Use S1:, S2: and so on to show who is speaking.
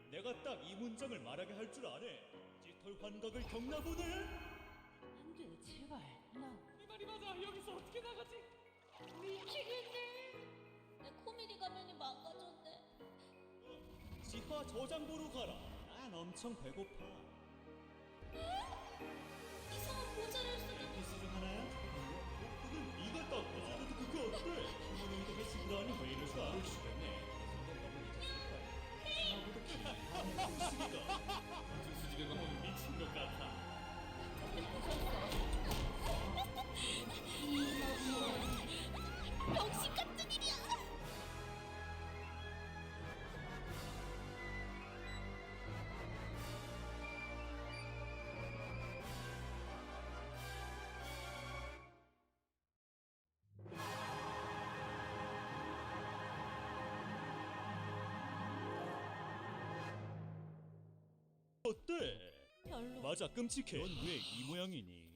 S1: 내가 딱 이 문장을 말하게 할 줄 아네. 깃털 환각을 겪나 보네.
S2: 안돼 제발 나
S3: 이 말이 맞아. 여기서 어떻게 나가지?
S2: 미치겠네. 내 코미디 가면이 망가졌네.
S1: 지하 저장고로 가라. 난 엄청 배고파.
S2: 이상한 모자를 쓰는
S1: 패스 중 하나야? 그는 네가 딱 봐도 그거 어때? 부모님도 패스를 하니 왜 이럴까? 모르시겠네. 나보다 긴 수기가
S3: 수집에 가면 미친 것 같아.
S2: 병신 같은 일이야.
S1: 어때?
S2: 별로.
S1: 맞아 끔찍해. 넌 왜 이 모양이니?